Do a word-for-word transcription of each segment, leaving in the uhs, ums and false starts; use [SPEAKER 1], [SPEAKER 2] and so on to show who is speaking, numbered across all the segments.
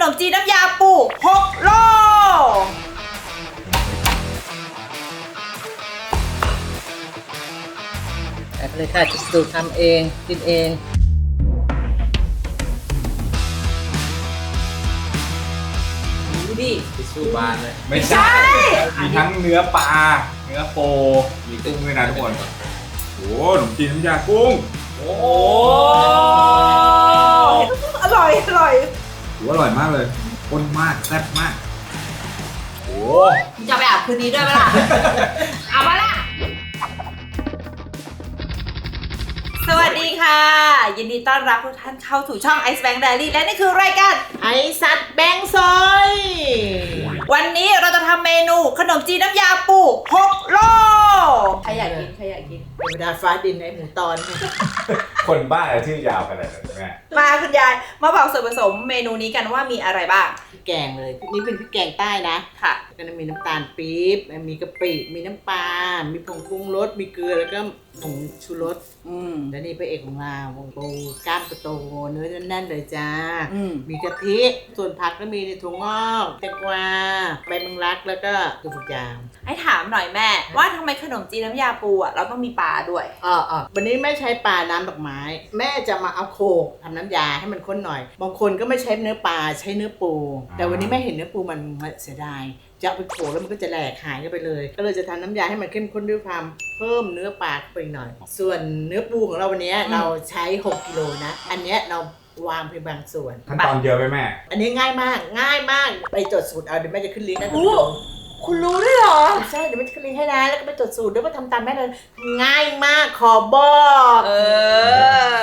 [SPEAKER 1] มจีนน้ำยาปูหกโล
[SPEAKER 2] แต่เลยค่ะจะสูตรทำเองกินเองดูดิ
[SPEAKER 3] ทิชชู่บานเลย
[SPEAKER 4] ไม่ใช่ มีทั้งเนื้อปลา เนื้อโป มีกุ้งด้วยนะทุกคน โอ้ขนมจีนน้ำยากุ้ง
[SPEAKER 3] โอ้
[SPEAKER 1] โอ้อร่อยอร่อย
[SPEAKER 4] ถือว่าอร่อยมากเลยข้นมากแซ่บมาก โอ้
[SPEAKER 1] จะไปอาบคืนนี้ด้วยไหมล่ะ เอามาละสวัสดีค่ะ ยินดีต้อนรับทุกท่านเข้าสู่ช่อง Ice Bank Diary และนี่คือรายการ
[SPEAKER 2] ไอสัตว์แบงซอย
[SPEAKER 1] วันนี้เราจะทำเมนูขนมจีนน้ำยาปูหกโลใครอยากกินใครอยากกิน
[SPEAKER 2] เทวดาฟ้าดินในหมูตอน
[SPEAKER 4] คนบ้าอะไรชื่อยาวขนาดนั้นแม่
[SPEAKER 1] มาคุณยายมาบอกส่วนผสมเมนูนี้กันว่ามีอะไรบ้าง
[SPEAKER 2] พริกแกงเลยนี่เป็นพริกแกงใต้นะ
[SPEAKER 1] ค่ะ
[SPEAKER 2] ก็จะมีน้ำตาลปี๊บมีกะปิมีน้ำปลา มีผงปรุงรสมีเกลือแล้วก็ผงชูรส
[SPEAKER 1] อืม
[SPEAKER 2] และนี่พระเอกของเราวงปูกล้ามโตๆเนื้อแน่นๆเลยจ้า
[SPEAKER 1] อืม
[SPEAKER 2] มีกะทิส่วนผักก็มีถั่วงอกแตงกวาใบมังลักแล้วก็ถั่วฝักยาว
[SPEAKER 1] ให้ถามหน่อยแม่ ว่าทำไมขนมจีนน้ำยาปูอ่ะเราต้องมีปลาด้วย
[SPEAKER 2] อ๋ออ๋อวันนี้ไม่ใช้ปลาน้ำดอกไม้ แม่จะมาเอาโขลกทำน้ำยาให้มันข้นหน่อย บางคนก็ไม่ใช้เนื้อปลาใช้เนื้อปู แต่วันนี้แม่เห็นเนื้อปูมันเสียดายจะเอาไปโขลกแล้วมันก็จะแหลกหายกันไปเลย ก็เลยจะทำน้ำยาให้มันเข้มข้นด้วยความเพิ่มเนื้อปลาไปหน่อย ส่วนเนื้อปูของเราวันนี้เราใช้หกกิโลนะ อันเนี้ยเราวางเพียงบางส่วน
[SPEAKER 4] ขั้นตอนเยอะไหมแม่
[SPEAKER 2] อันนี้ง่ายมากง่ายมากไปจดสูตรเอาเดี๋ยวแม่จะขึ้นลิงก์ให้ดู
[SPEAKER 1] คุณรู้ด้วยเหรอ
[SPEAKER 2] ใช่เดี๋ยวแม่จะขึ้นลิงก์ให้นะแล้วก็ไปจดสูตรด้วยว่าทำตามแม่เลยง่ายมากขอบอก
[SPEAKER 1] เออ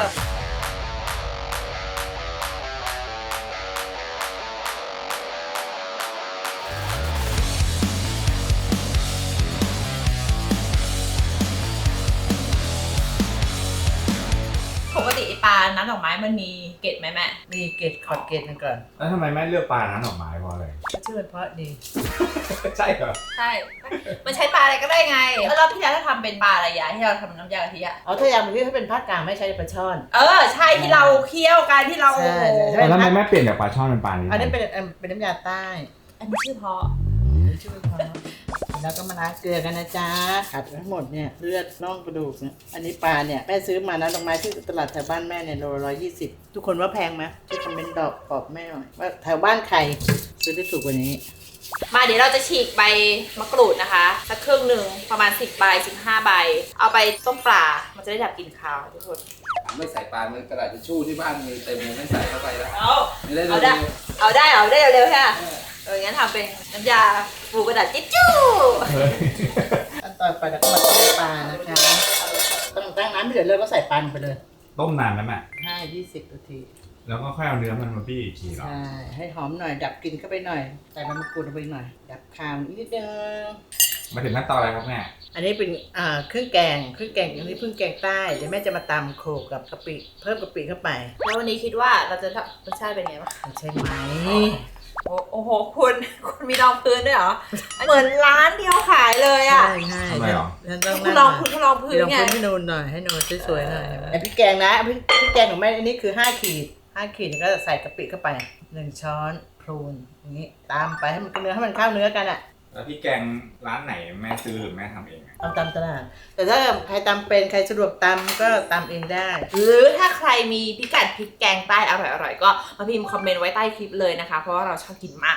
[SPEAKER 1] ปกติไอ้ปลาน้ำดอกไม้มันมีเกล็ดไหมแม่
[SPEAKER 2] มีเกล็ดขอดเกล็ดหนึงก่อน
[SPEAKER 4] แล้วทำไมแม่เลือกปลาน้ำดอกไม้เพราะอะไร
[SPEAKER 2] ชื่อมันเพราะดี
[SPEAKER 4] ใช่เหรอ
[SPEAKER 1] ใช่ มันใช้ปลาอะไรก็ได้ไงแล้วรอบที่แล้วถ้าทำเป็นปลาอะไรยะที่เราทำน้ำยากะทิอะ
[SPEAKER 2] เอาถ้าอย่างที่ถ้าเป็นภาคกลางไม่ใช่ปลาช่อน
[SPEAKER 1] เออใช่ที่เราเคี่ยวกันที่เรา
[SPEAKER 2] ใช่
[SPEAKER 1] โอ้โห
[SPEAKER 2] ใช่
[SPEAKER 4] แล้วทำไมแม่เปลี่ยนจากปลาช่อนเป็นปลานี้
[SPEAKER 2] อันนี้เป็นเอิ่มเป็นน้ำยาใต้
[SPEAKER 1] อันนี้ชื่อเพราะ
[SPEAKER 2] ชื่อมันเพราะแล้วก็มาล้างเกลือกันนะจ๊ะขัดทั้งหมดเนี่ยเลือดน่องกระดูกเนี่ยอันนี้ปลาเนี่ยแม่ซื้อมานะดอกไม้ที่ตลาดแถวบ้านแม่เนี่ยโลร้อยยี่สิบทุกคนว่าแพงไหมช่วยคอมเมนต์ดอกตอบแม่หน่อยว่าแถวบ้านใครซื้อได้ถูกกว่านี้
[SPEAKER 1] มาเดี๋ยวเราจะฉีกใบมะกรูดนะคะสักครึ่งหนึ่งประมาณสิบใบสิบห้าใบเอาไปต้มปลามันจะได้ดับกลิ่นคาวทุกคน
[SPEAKER 3] ไม่ใส่ปลาเนื้อกระดาษทิชชู่ที่บ้านมีเต็มเลยไม่ใส่เข้าไปแล้ว
[SPEAKER 1] เอา
[SPEAKER 3] ไม่ได้
[SPEAKER 1] เอา
[SPEAKER 3] เล
[SPEAKER 1] ได้
[SPEAKER 3] ย
[SPEAKER 1] เอาได้เอาได้เร็วๆค่ะเอองั้นทำเป็นน้ำยาปูกระดาษจิ๊ดจู้
[SPEAKER 4] เฮ้ย
[SPEAKER 2] ขั้นตอนไปแล้วก็มาต้มปลานะคะต้องตั้งน้ำไม่เดือดเลยก็ใส่ปลาลงไปเลย
[SPEAKER 4] ต้มนานไหมแม่
[SPEAKER 2] ห้ายี่สิบนาที
[SPEAKER 4] แล้วก็ค่อยเอาเนื้อมันมาบี้อีกทีเหรอ
[SPEAKER 2] ใช่ให้หอมหน่อยดับกลิ่นเข้าไปหน่อยใส่ใบมะกรูดลงไปหน่อย ดับคาวนิดนึง
[SPEAKER 4] มาถึงขั้นตอนอะไรครับแม่
[SPEAKER 2] อันนี้เป็นอ่าเครื่องแกงเครื่องแกงอันนี้เพิ่งแกงใต้เดี๋ยวแม่จะมาตำโขลกกับกะปิเพิ่มกะปิเข้าไป
[SPEAKER 1] แล้ววันนี้คิดว่าเราจะทำรสชาติเป็นไงบ้าง
[SPEAKER 2] ใช่ไหม
[SPEAKER 1] โอ้โอ้โหคุณคุณมีรองพื้นด้วยเหรอเหมือนร้านที่เขาขายเลยอ่ะ
[SPEAKER 2] ใช่ใช่
[SPEAKER 4] ทำไมหรอ
[SPEAKER 2] ฉันต้อง
[SPEAKER 1] คุณ
[SPEAKER 2] นั่ง
[SPEAKER 1] ลอง
[SPEAKER 2] หน่
[SPEAKER 1] คุ
[SPEAKER 2] อย
[SPEAKER 1] ณลองพื้น
[SPEAKER 2] ลอง
[SPEAKER 1] ไง
[SPEAKER 2] พื้นให้นูนหน่อยให้นูนสวยๆหน่อยไอพริกแกงนะพริกพริกแกงของแม่อันนี้คือห้าขีดห้าขีดแล้วก็ใส่กะปิเข้าไปหนึ่งช้อนพรูนอย่างนี้ตามไปให้มันเนื้อให้มันเข้าเนื้อกันอ่ะ
[SPEAKER 4] แล้วพี่แกงร้านไหนแม่ซื้อหรือแม่ทำเองอะ
[SPEAKER 2] เอาตามตลาดแต่ถ้าใครตำเป็นใครสะดวกตำก็ตำเองได้
[SPEAKER 1] หรือถ้าใครมีพิกัดพริกแกงใต้อร่อยๆก็มาพิมพ์คอมเมนต์ไว้ใต้คลิปเลยนะคะ เพราะว่าเราชอบกินมาก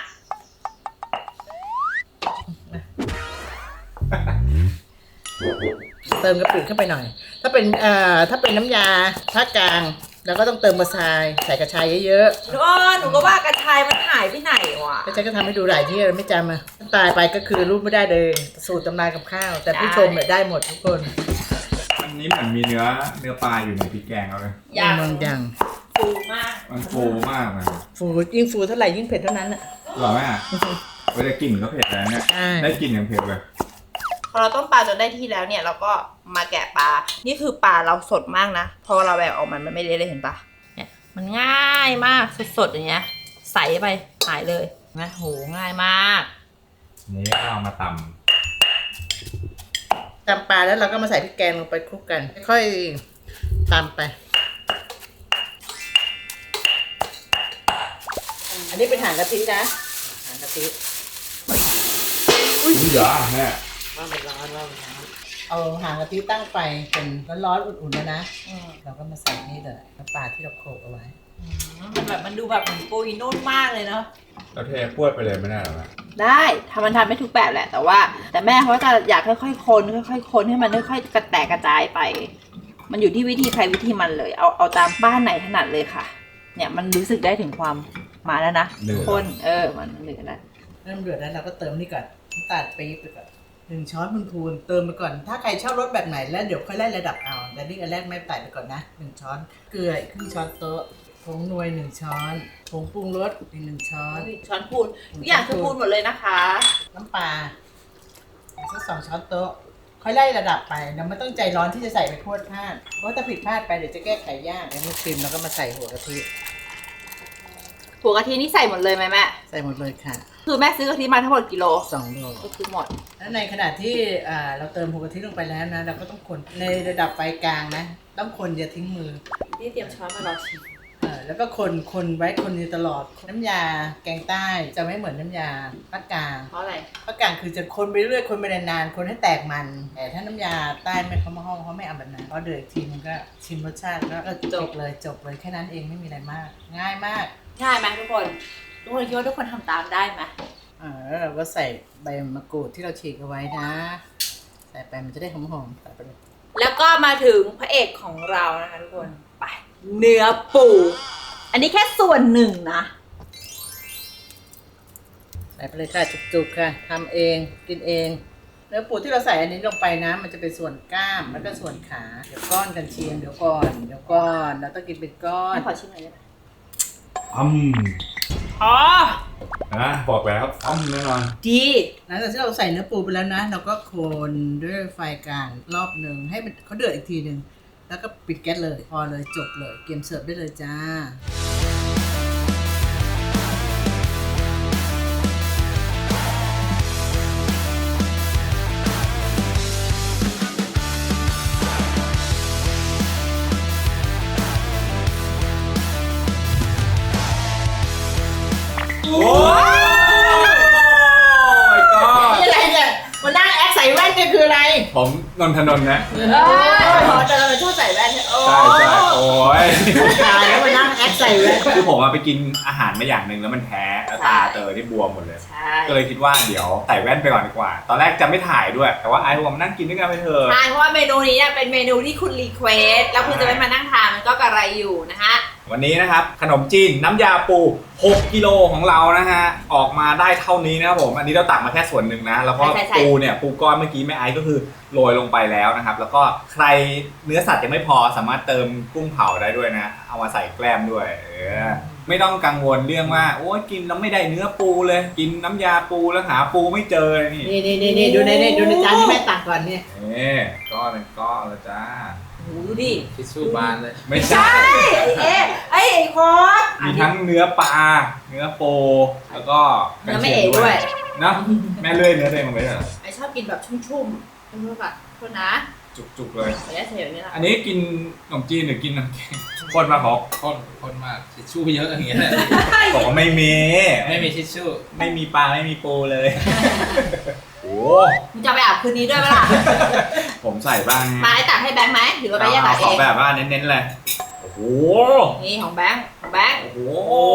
[SPEAKER 2] เติมกะปิเข้าไปหน่อย ถ้าเป็นเอ่อถ้าเป็นน้ำยาภาคกลางแล้วก็ต้องเติมกระชายใส่กระชายเยอะ
[SPEAKER 1] หนูว่าหนูก็ว่ากระชายมันหายไปไหนวะ
[SPEAKER 2] ๆก็ฉันก็ทำให้ดูหลายที่ไม่จำอ่ะตายไปก็คือรูปไม่ได้เลยสูตรตำนานกับข้าว แต่ผู้ชมเนี่ยได้หมดทุกคน
[SPEAKER 4] อันนี้เหมือนมีเนื้อเนื้อปลาอยู่ในพริกแกงเอาเลย
[SPEAKER 1] อย่าง
[SPEAKER 2] บางอย่าง
[SPEAKER 1] ฟูมาก
[SPEAKER 4] มันฟูมากเลย
[SPEAKER 2] ฟูยิ่งฟูเท่าไหร่ยิ่งเผ็ดเท่านั้นอ่ะ
[SPEAKER 4] หรอแม่เวลากลิ่นก็เผ็ดแล้วเนี่ย
[SPEAKER 2] ใช่
[SPEAKER 4] ได้กลิ่นอย่างเผ็ดเลย
[SPEAKER 1] พอเราต้มปลาจนได้ที่แล้วเนี่ยเราก็มาแกะปลา นี่คือปลาเราสดมากนะ พอเราแบกออกมันมันไม่เละเลยเห็นปะเนี่ยมันง่ายมากสดๆอย่างเงี้ยใส่ไปหายเลยนะโหง่ายมาก
[SPEAKER 4] นี่เอามาต
[SPEAKER 2] ตำปลาแล้วเราก็มาใส่พริกแกงลงไปคลุกกันค่อยๆตำไป อันนนี้เป็นหางกะทินะหางกะทิ
[SPEAKER 4] อุ้ยเหรอแม่
[SPEAKER 2] ว่ามันร้อนว่ามันร้อนเอาหางกะทิตั้งไฟเป็นร้อนๆอุ่นๆแล้วนะ
[SPEAKER 1] อืม
[SPEAKER 2] เราก็มาใส่นี่เลยน้ำปลาที่เราโขลกเอาไว้
[SPEAKER 1] มันแบบมันดูแบบเหมือนปุยนุ่นมากเลยเนาะ
[SPEAKER 4] เราเทพวดไปเลยไม่ได้หรอแม่
[SPEAKER 1] ได้ทำมันทำไม่ทุกแบบแหละ แต่ว่า แต่แม่เขาจะอยากค่อยๆคนค่อยๆคนให้มันค่อยๆกระแตกกระจายไป มันอยู่ที่วิธีใครวิธีมันเลย เอาเอาตามบ้านไหนถนัดเลยค่ะ เนี่ยมันรู้สึกได้ถึงความมาแล้วนะคนเออมันเหนือแล้ว
[SPEAKER 2] เริ่มเดือดแล้วเราก็เติมนี่ก่อนน้ำตาลปี๊บไปก่อนหนึ่งช้อนพูนๆเติมไปก่อนถ้าใครชอบรสแบบไหนแล้วเดี๋ยวค่อยไล่ระดับเอาแต่นี่อันแรกไม่ใส่ไปก่อนนะหนึ่งช้อนเกลืออีกครึ่งช้อนโต๊ะผงนวยหนึ่งช้อนผงปรุงรสอีกหนึ่งช้อน
[SPEAKER 1] ช้อนพูนทุกอย่างคือพูนหมดเลยนะคะ
[SPEAKER 2] น้ำปลาสักสองช้อนโต๊ะค่อยไล่ระดับไปเราไม่ต้องใจร้อนที่จะใส่ไปพรวดพลาดเพราะถ้าผิดพลาดไปเดี๋ยวจะแก้ไขยากอันนี้ชิมแล้วก็มาใส่หัวกะทิ
[SPEAKER 1] หัวกะทินี่ใส่หมดเลยไหมแม่
[SPEAKER 2] ใส่หมดเลยค่ะ
[SPEAKER 1] คือแม่ซื้อกะทิมาทั้งหมดกิโล
[SPEAKER 2] สองโล
[SPEAKER 1] ก็คือหมด
[SPEAKER 2] แล้วในขณะที่อ่าเราเติมหัวกะทิลงไปแล้วนะเราก็ต้องคนในระดับไฟกลางนะต้องคนอย่าทิ้งมือ
[SPEAKER 1] นี่เตรียมช้อนมารอชิม
[SPEAKER 2] เออแล้วก็คนคนไว้คนอยู่ตลอดน้ำยาแกงใต้จะไม่เหมือนน้ำยาภาคกลาง
[SPEAKER 1] เพราะอะไร
[SPEAKER 2] ภาคกลางคือจะคนไปเรื่อยคนไปนานๆคนให้แตกมันแต่ถ้าน้ำยาใต้ไม่เขามาห้องเขาไม่เอาแบบนั้นเพราะเดือดอีกทีมันก็ชิมรสชาติแล้วก็จบเลยจบเลยแค่นั้นเองไม่มีอะไรมาก ง่ายมาก
[SPEAKER 1] ง่ายไหมทุกคนทุกคนคิดว่าทุกคนทำตามได้ไหม
[SPEAKER 2] อ่าแล้วเราก็ใส่ใบมะกรูดที่เราฉีกเอาไว้นะ ใส่ไปมันจะได้หอมๆใส่ไปเลย
[SPEAKER 1] แล้วก็มาถึงพระเอกของเรานะคะทุกคนไปเนื้อปูอันนี้แค่ส่วนหนึ่งนะ
[SPEAKER 2] ใส่ไปเลยค่ะจุกๆค่ะทำเองกินเองเนื้อปูที่เราใส่อันนี้ลงไปนะ มันจะเป็นส่วนกล้ามแล้วก็ส่วนขาเดี๋ยวก้อนกันเชียงเดี๋ยวก่อนเดี๋ยวก่อนเราต้องกินเป็นก้อน
[SPEAKER 1] แม่ขอชิมหน่อยได้ไหม
[SPEAKER 4] อืม
[SPEAKER 1] อ๋อ
[SPEAKER 4] นะบอกแล้วอ้อมแน่นอน
[SPEAKER 1] ดี
[SPEAKER 2] หลังจากที่เราใส่เนื้อปูไปแล้วนะ เราก็คนด้วยไฟกลางรอบหนึ่งให้มันเขาเดือดอีกทีหนึ่งแล้วก็ปิดแก๊สเลยพอเลยจบเลยเตรียมเสิร์ฟได้เลยจ้า
[SPEAKER 4] โอ้ยก็
[SPEAKER 2] นี่อะไรเนี่ยมานั่งแอคใส่แว่นเนี่ยคืออะไร
[SPEAKER 4] ผมนนทนนท์นะ
[SPEAKER 1] เออพอแต่เราชอบใส่แว่นเนี่ยโอ้
[SPEAKER 4] ใช่ใช่โอ้ย
[SPEAKER 2] ตายแล้วมานั่งแอคใส่แว่น
[SPEAKER 4] คือผมอะไปกินอาหารมาอย่างหนึ่งแล้วมันแพ้แล้วตาเตอที่บวมหมดเลย
[SPEAKER 1] ใช่
[SPEAKER 4] ก็เลยคิดว่าเดี๋ยวใส่แว่นไปก่อนดีกว่า ตอนแรกจะไม่ถ่ายด้วย แต่ว่าไอ้ผมนั่งกินด้วยกันไปเถอะ
[SPEAKER 1] ใช่เพราะว่าเมนูนี้เนี่ยเป็นเมนูที่คุณรีเควสแล้วคุณจะไม่มานั่งทานมันก็กระไรอยู่นะฮะ
[SPEAKER 4] วันนี้นะครับขนมจีนน้ำยาปูหกกิโลของเรานะฮะออกมาได้เท่านี้นะครับผมอันนี้เราตักมาแค่ส่วนหนึ่งนะแล้วก็
[SPEAKER 1] ใช่ใช่
[SPEAKER 4] ปูเนี่ยปูก้อนเมื่อกี้แม่ไอซ์ก็คือโรยลงไปแล้วนะครับแล้วก็ใครเนื้อสัตว์ยังไม่พอสามารถเติมกุ้งเผาได้ด้วยนะเอามาใส่แกล้มด้วยเออไม่ต้องกังวลเรื่องว่าโอ้ยกินแล้วไม่ได้เนื้อปูเลยกินน้ำยาปูแล้วหาปูไม่เจอนี่
[SPEAKER 2] นี่นี่นี่นี่ดูในนี่ดูในจานที่แม่ตักก่อนเนี่ย
[SPEAKER 4] เอ๊ก้อนเป็นก้อนแล้วจ้า
[SPEAKER 1] โอ้โหดูดิ
[SPEAKER 3] ทิชชู่บานเลย
[SPEAKER 4] ไม่
[SPEAKER 1] ใช่
[SPEAKER 4] ใช่
[SPEAKER 1] ไอ้เอ๊ะไอ้ไอ้คอส
[SPEAKER 4] มีทั้งเนื้อปลาเนื้อโปแล้วก็
[SPEAKER 1] เนื้อไม่เอ๋ด้วย
[SPEAKER 4] เนาะแม่เลื่อยเนื้อตัวเองลงไปเลยเหรอ
[SPEAKER 1] ไอ้ชอบกินแบบชุ่มๆชุ่มๆแบบโทษนะ
[SPEAKER 4] จุกๆเลย
[SPEAKER 1] ไม่ได้ใส่แบบนี้ละ
[SPEAKER 4] อันนี้กินขนมจีนหรือกินน้ำแข็งคนมาบอก
[SPEAKER 3] ข้นข้นมากทิชชู่เยอะอย่างเงี้ยแหละ
[SPEAKER 4] บอกว่าไม่มี
[SPEAKER 3] ไม่มีทิชชู่
[SPEAKER 4] ไม่มีปลาไม่มีปูเลย โอ้
[SPEAKER 1] มึงจะไปอาบคืนนี้ด้วยไหมล่ะ
[SPEAKER 4] ผมใส่บ้าง
[SPEAKER 1] มาไอ้ตักให้แบงค์ไหมหรือว่าไปแยก
[SPEAKER 4] เอา
[SPEAKER 1] ตัก
[SPEAKER 4] ข
[SPEAKER 1] เอ
[SPEAKER 4] อง แบบว่าเน้นๆเลยโอ้โห
[SPEAKER 1] นี่ของแบงค์ของแบงค์
[SPEAKER 4] โอ้โห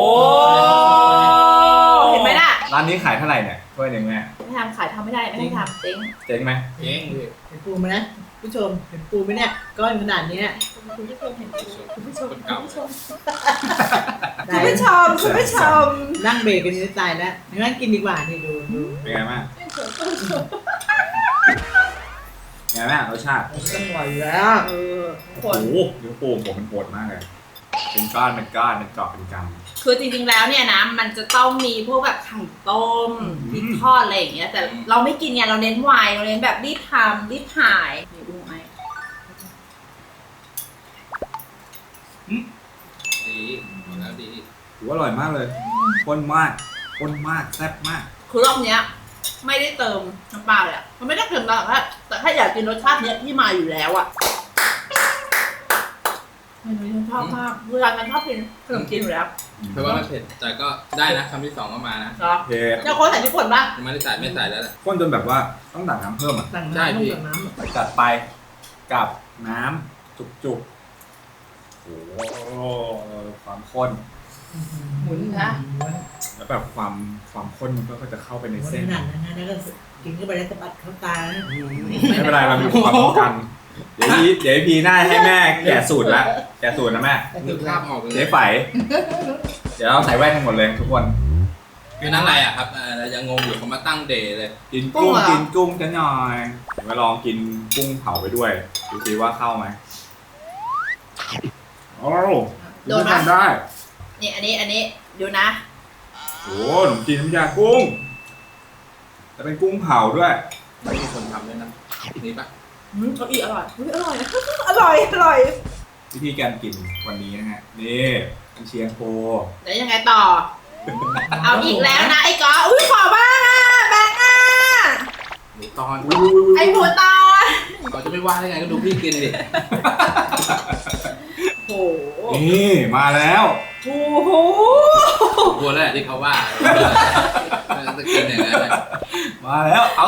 [SPEAKER 1] เห็นไหมล่ะ
[SPEAKER 4] ร้านนี้ขายเท่าไหร่เนี่ยถ้วยหนึ่งแม่
[SPEAKER 1] ไม่ทำขายทำไม่ได้ไม่ให้ทำจริง
[SPEAKER 4] เจ๊งไหม
[SPEAKER 3] เองดิ
[SPEAKER 2] เห็นปูไหมนะผู้ชมเห็นปูไหมเนี่ยก้อนขนาดเนี้ย
[SPEAKER 1] คุณผู้ชมเห็นไหมคุณผู้ชม
[SPEAKER 3] คนเก่า
[SPEAKER 1] คุณผู้ชมคุณผู้ชมคุณผู้ชม
[SPEAKER 2] นั่งเบรกกันนี่ตายแล้วงั้นกินดีกว่านี่ดูดู
[SPEAKER 4] เป็นไงบ้างไงแม่รสชาติ
[SPEAKER 2] อร่อยแล้ว
[SPEAKER 1] เออทุกค
[SPEAKER 4] โอ้
[SPEAKER 1] น
[SPEAKER 4] โหเนื้อปูผมเป็นปวดมากเลย เป็นก้อนเป็นก้อนเป็นกรอบเป็นกำ
[SPEAKER 1] คือจริงๆแล้วเนี่ยนะมันจะต้องมีพวกแบบไข่ต้มพริกทอดอะไรอย่างเงี้ยแต่เราไม่กินไงเราเน้นไวน์เราเน้นแบบรีบทำรีบถ่ายนี่ดูไหม
[SPEAKER 3] ดีหมดแล้วดี
[SPEAKER 4] ถือว่าอร่อยมากเลยข้นมากข้นมากแซ่บมาก
[SPEAKER 1] คือรอบเนี้ยไม่ได้เติมน้ำปลาเลยอะมันไม่ได้เติมน้ำแต่ถ้าแต่ถ้าอยากกินรสชาติเนี้ยที่มาอยู่แล้วอะเมนูที่ฉันชอบมากเวลาฉันชอบกินขนมจีนอยู่แล้ว
[SPEAKER 3] เพราะว่ามันเผ็ดแต่ก็ได้นะคำที่สองก็มานะ
[SPEAKER 1] เหรอ
[SPEAKER 4] โอเค
[SPEAKER 1] จะโค้ชใส่พริกป่นป่ะ
[SPEAKER 3] ไม่ได้ใส่ไม่ใส่แล้วแหละ
[SPEAKER 4] ข้นจนแบบว่าต้องตักน้ำเพิ่มอ่ะ
[SPEAKER 2] ต่าง
[SPEAKER 3] ใช่
[SPEAKER 2] น้ำ
[SPEAKER 3] พี่
[SPEAKER 2] ต่างน้ำ
[SPEAKER 4] จัดไปกับน้ำจุกๆโอ้โหความข้น
[SPEAKER 1] หมุนนะ
[SPEAKER 4] แล้วแบบความความข้นมันก็จะเข้าไปใน
[SPEAKER 2] เส้
[SPEAKER 4] เส้
[SPEAKER 2] น
[SPEAKER 4] น
[SPEAKER 2] หนักนะแล้วก็กินเข้าไปแล้วสะบัดเข้าตา
[SPEAKER 4] ไม่เป็นไรเรามีความป้องกัน เดี๋ยวพี่เดี๋ยวพี่หน้าให้แม่แกะสูตรละแกะสูตรนะแม่
[SPEAKER 3] นึกภาพออกเลย
[SPEAKER 4] เจ๊ไฝเดี๋ยวเราใส่แว่นกันหมดเลยทุกคน
[SPEAKER 3] คือนั่นอะไรอ่ะครับเอ่อเรายังงงอยู่เขามาตั้งเดย์เลย
[SPEAKER 4] กินกุ้งกินกุ้งกันหน่อยเดี๋ยวมาลองกินกุ้งเผาไปด้วยดูสิว่าเข้าไหมโอ้ดูทำได้
[SPEAKER 1] นี่อันนี้อันนี้ดูนะ
[SPEAKER 4] โอ้ขนมจีนน้ำยากุ้งจะเป็นกุ้งเผาด้วย
[SPEAKER 3] ไม่มีคนทำด้วยนะนี่ปะ
[SPEAKER 1] อืมเขาอีอร่อยอุ๊ยอร่อย อร่อยอร่อย
[SPEAKER 4] วิธีการกินวันนี้นะฮะนี่เป็นเชียงโค
[SPEAKER 1] เดี๋ยวยังไงต่อ เอาอีกแล้วนะไอ้กออุ้ยขอบ้างอ่ะแบงค์อ่ะ
[SPEAKER 3] หมูตอน
[SPEAKER 1] ไอ้หมูตอน
[SPEAKER 3] เขาจะไม่ว่าได้ไงก็ดูพี่กินดิ
[SPEAKER 1] โอ้โห
[SPEAKER 4] นี่มาแล้ว
[SPEAKER 1] โอ้โห
[SPEAKER 3] กลัวแล้วแหละที่เขาว่าจะกินอย่างนั้นเลย
[SPEAKER 4] มาแล้วเอา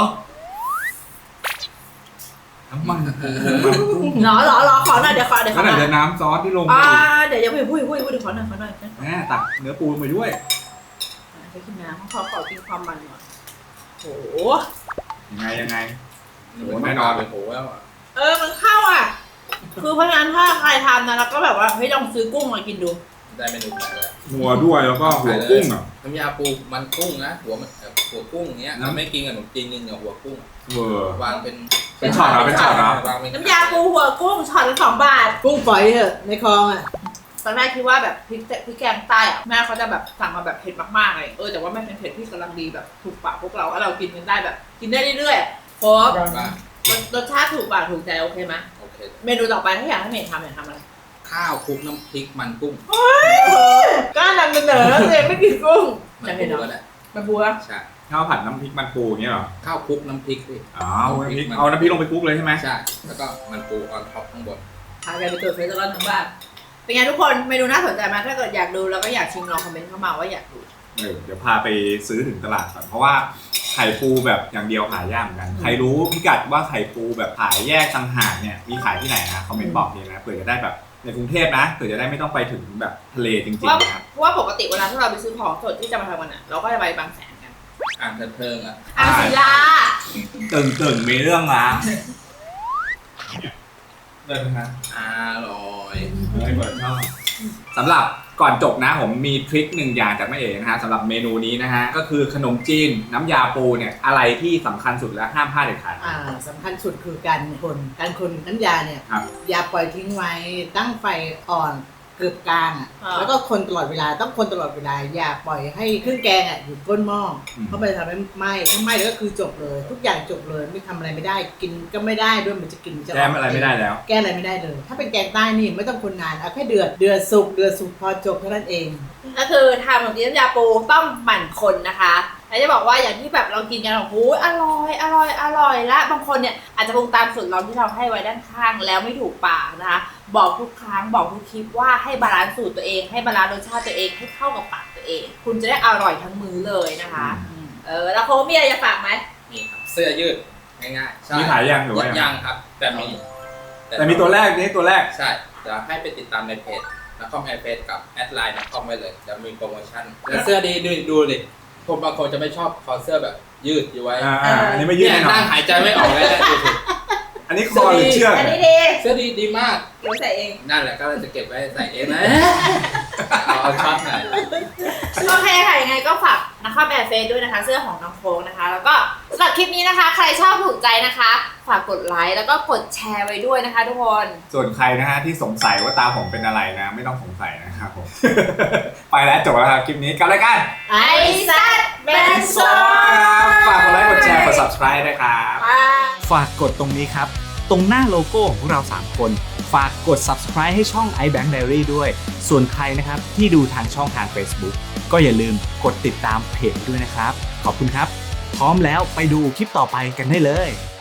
[SPEAKER 4] น้ำมันปูมันกุ้ง
[SPEAKER 1] เหรอเหรอเหรอขอหน่อยเดี๋ยวขอเดี๋ยวข
[SPEAKER 4] แล้
[SPEAKER 1] อ
[SPEAKER 4] วไห
[SPEAKER 1] ห
[SPEAKER 4] น
[SPEAKER 1] น่อย
[SPEAKER 4] จะน้ำซอสที่ลงไป
[SPEAKER 1] อ่า
[SPEAKER 4] อีก
[SPEAKER 1] เดี๋ยวอย่าพูดพูดพูดพูดเดี๋ยวขอหน่อยขอหน่อยนะ
[SPEAKER 4] แม่ตักเนื้อปูลงไปด้วย
[SPEAKER 1] ไปกินน้ำขอขอกินความมันหน่อยโอ้โห
[SPEAKER 4] ยังไงยังไง
[SPEAKER 3] โอ้แน่นอนเลยโหแล้วอ่ะ
[SPEAKER 1] เออมันเข้าอ่ะ คือเพราะฉะนั้นถ้าใครทำนะแล้วก็แบบว่าเฮ้ยลองซื้อกุ้งมากินดู
[SPEAKER 3] ได้เมนูแปลกเลย
[SPEAKER 4] หัวด้วยแล้วก็หัวกุ้งอ่ะ
[SPEAKER 3] น้ำยาปูมันกุ้งนะหัวมันหัวกุ้งเงี้ยเราไม่กินกับขนมจีนกินกับหัวกุ้ง
[SPEAKER 4] เวอร์
[SPEAKER 3] วางเป็น
[SPEAKER 4] เป็นช็อตเหรอเป็นช็อตเหรอ
[SPEAKER 3] วางเป็น
[SPEAKER 1] น้ำยาปูหัวกุ้งช็อตละสองบาท
[SPEAKER 2] กุ้งฝอยเถอะในคลองอ่ะ
[SPEAKER 1] ตอนแรกคิดว่าแบบพริกพริกแกงใต้อะแม่เขาจะแบบสั่งมาแบบเผ็ดมากๆเลยเออแต่ว่าไม่เป็นเผ็ดที่กำลังดีแบบถูกปากพวกเราแล้วเรากินกันได้แบบกินได้เรื่อยๆเพราะ
[SPEAKER 3] ว่าร
[SPEAKER 1] สชาติถูกปากถูกใจโอเคไหม
[SPEAKER 3] โอเค
[SPEAKER 1] เมนูต่อไปถ้าอยากให้เมย์ทำอยากทำอะไร
[SPEAKER 3] ข้าวคลุกน้ำพริกมันกุ้ง
[SPEAKER 1] กล้านำเสนอเลยไม่กินกุ้ง
[SPEAKER 3] มั
[SPEAKER 1] จะ
[SPEAKER 3] น
[SPEAKER 1] เห็น
[SPEAKER 3] ปู
[SPEAKER 1] เหรอ
[SPEAKER 3] ก็ได้
[SPEAKER 1] มาบัว
[SPEAKER 3] ใช่
[SPEAKER 4] ข้าวผัดน้ำพริกมันปูอย่างเงี้ยเหรอ
[SPEAKER 3] ข้าวคลุกน้ำพริกดิ
[SPEAKER 4] อ๋อเอาน้ำพริกเอาน้ำพริกลงไปคลุกเลยใช่ไหม
[SPEAKER 3] ใช่แล้วก็มันปูออนท็อปข้างบน
[SPEAKER 1] พากันไปตรวจเฟซแล้วทั้งบ้านเป็นไงทุกคนเมนูน่าสนใจไหมถ้าเกิดอยากดูแล้วก็อยากชิมลองคอมเมนต์เข้ามาว่าอยากดู
[SPEAKER 4] เออเดี๋ยวพาไปซื้อถึงตลาดก่อนเพราะว่าไข่ปูแบบอย่างเดียวหายากเหมือนกัน ใครรู้พิกัดว่าไข่ปูแบบขายแยกต่างหากเนี่ยมีขายที่ไหนนะคอมเมนต์บอกทีนะเผื่อจะได้แบบในกรุงเทพนะเผื่อจะได้ไม่ต้องไปถึงแบบทะเลจริง
[SPEAKER 1] เพราะ
[SPEAKER 4] ๆนะครับ
[SPEAKER 1] เพราะว่าปกติเวลาที่เราไปซื้อของสดที่จะมาทำกันอ่ะเราก็จะไปบางแสนกัน
[SPEAKER 3] อ่างเทิงๆอ่ะ
[SPEAKER 1] อ่างศิลา
[SPEAKER 4] ตึงตึงมีเรื่องละเดินนะ
[SPEAKER 3] อร่อย
[SPEAKER 4] ไม่เปิดชอบสำหรับก่อนจบนะผมมีทริคหนึ่งอย่างจากแม่เอ๋นะฮะสำหรับเมนูนี้นะฮะก็คือขนมจีนน้ำยาปูเนี่ยอะไรที่สำคัญสุดและห้ามพลาดเด็ดขาด
[SPEAKER 2] อ่าสำคัญสุดคือการคนการคนน้ำยาเนี่ย
[SPEAKER 4] ครับ
[SPEAKER 2] อย่าปล่อยทิ้งไว้ตั้งไฟอ่อนเกือบกลางอ่ะ
[SPEAKER 1] อ่า
[SPEAKER 2] แล้วก็คนตลอดเวลาต้องคนตลอดเวลาอย่าปล่อยให้เครื่องแกงอ่ะอยู่ก้นหม้ออ
[SPEAKER 4] ม
[SPEAKER 2] เพราะมันจะทำให้ไหม้ถ้าไหม้แล้วก็คือจบเลย ทุกอย่างจบเลยไม่ทำอะไรไม่ได้กินก็ไม่ได้ด้วยมันจะกินมันจะ
[SPEAKER 4] แก้มอะไรไม่ได้แล้ว
[SPEAKER 2] แก้อะไรไม่ได้เลย ถ้าเป็นแกงใต้นี่ไม่ต้องคนนานเอาแค่เดือดเดือดสุกเดือดสุกพอจบเท่านั้นเอง
[SPEAKER 1] ก็คือทำขนมจีนน้ำยาปูต้องหมั่นคนนะคะแล้วจะบอกว่าอย่างที่แบบเรากินกันโอ้โหอร่อยอร่อยอร่อยและบางคนเนี่ยอาจจะปรุงตามสูตรเราที่เราให้ไว้ด้านข้างแล้วไม่ถูกปากนะคะบอกทุกครั้งบอกทุกคลิปว่าให้บาลานซ์สูตรตัวเองให้บาลานซ์รสชาติตัวเองให้เข้ากับปากตัวเอง คุณจะได้อร่อยทั้งมื้อเลยนะคะเออแล้วโค้ชมีอะไรจะฝากไหม
[SPEAKER 3] นี่ครับเสื้อยืดง่ายๆใช่
[SPEAKER 4] มีขายยังหรือว่ายัง
[SPEAKER 3] ยังครับ แต่มี
[SPEAKER 4] แต่มีตัวแรกนี่ตัวแรก
[SPEAKER 3] ใช่เดี๋ยวให้ไปติดตามในเพจนักคอมไอเพจกับแอดไลน์นักคอมไว้เลยจะมีโปรโมชั่นแต่เสื้อดีดูดูดิผมบางคนจะไม่ชอบคอเสื้อแบบยืดอยู่ไว้
[SPEAKER 4] อ่าอ่าอันนี้ไม่ยืด
[SPEAKER 3] เนี่ย
[SPEAKER 4] แน่นอ
[SPEAKER 3] นั่
[SPEAKER 4] น
[SPEAKER 3] งหายใจไม่ออกเลยนะดูสิ
[SPEAKER 4] อันนี้คอหรือเชือก
[SPEAKER 1] อัน
[SPEAKER 4] เนี่
[SPEAKER 1] นี้
[SPEAKER 4] ย
[SPEAKER 1] ดี
[SPEAKER 3] เสื้อดีดีมาก
[SPEAKER 1] เดี๋ยวใส่เอง
[SPEAKER 3] นั่นแหละก็จะเก็บไว้ใส่เองนะเอาเอาช็อตหน่อย
[SPEAKER 1] โอเคค่ะยังไงก็ฝากนะคะแบบเฟซด้วยนะคะ เสื้อของน้องโค้งนะคะ แล้วก็สำหรับคลิปนี้นะคะ ใครชอบถูกใจนะคะ ฝากกดไลค์แล้วก็กดแชร์ไว้ด้วยนะคะ ทุกคน
[SPEAKER 4] ส่วนใครนะฮะที่สงสัยว่าตาผมเป็นอะไรนะ ไม่ต้องสงสัยนะครับผม ไปแล้วจบแล้วครับคลิปนี้กับรายการ
[SPEAKER 1] ไอซัดแมนโซ
[SPEAKER 4] ฝากกดไลค์กดแชร์กด subscribe ด้วยครับ
[SPEAKER 5] ฝากกดตรงนี้ครับ ตรงหน้าโลโก้ของพวกเราสามคน ฝากกด subscribe ให้ช่อง iBank Diary ด้วย ส่วนใครนะครับที่ดูทางช่องทาง Facebook ก็อย่าลืมกดติดตามเพจด้วยนะครับ ขอบคุณครับ พร้อมแล้วไปดูคลิปต่อไปกันได้เลย